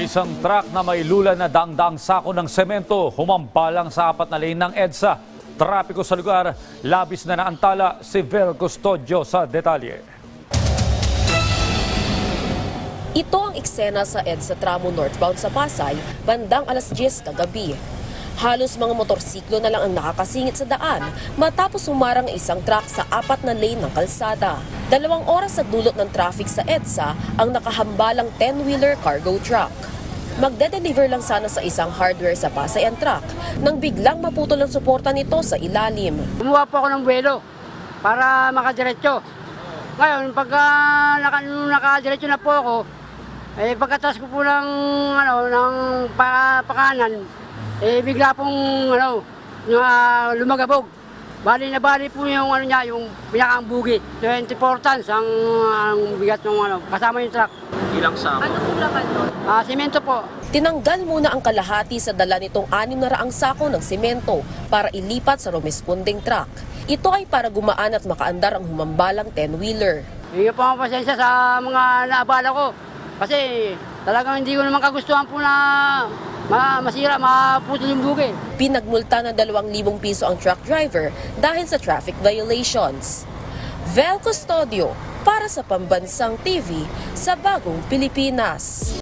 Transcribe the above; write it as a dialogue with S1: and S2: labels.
S1: Isang truck na may lula na daang-daang sako ng semento humampalang sa 4 na lane ng EDSA. Trapiko sa lugar, labis na naantala si Vel Custodio sa detalye.
S2: Ito ang eksena sa EDSA tramo northbound sa Pasay, bandang alas 10 kagabi. Halos mga motorsiklo na lang ang nakakasingit sa daan matapos humarang isang truck sa 4 na lane ng kalsada. 2 oras sa dulot ng traffic sa EDSA ang nakahambalang 10-wheeler cargo truck. Magde-deliver lang sana sa isang hardware sa Pasay ang truck nang biglang maputol ang suporta nito sa ilalim.
S3: Kumuha po ako ng buwelo para makadiretso. Ngayon, pagka nakadiretso na po ako, pagkatas ko po ng pakanan, bigla pong lumagabog. Bali po yung yung pinakang bugi. 24 tons ang bigat ng kasama yung truck.
S4: Ilang sako?
S2: Ano pong laman nun?
S3: Simento po.
S2: Tinanggal muna ang kalahati sa dala nitong 600 sako ng simento para ilipat sa rumesponding truck. Ito ay para gumaan at makaandar ang humambalang 10-wheeler.
S3: Hindi po ang pasensya sa mga naabala ko. Kasi talagang hindi ko naman kagustuhan po na masira, maputol yung bugi.
S2: Pinagmulta ng 2,000 piso ang truck driver dahil sa traffic violations. Vel Custodio para sa Pambansang TV sa Bagong Pilipinas.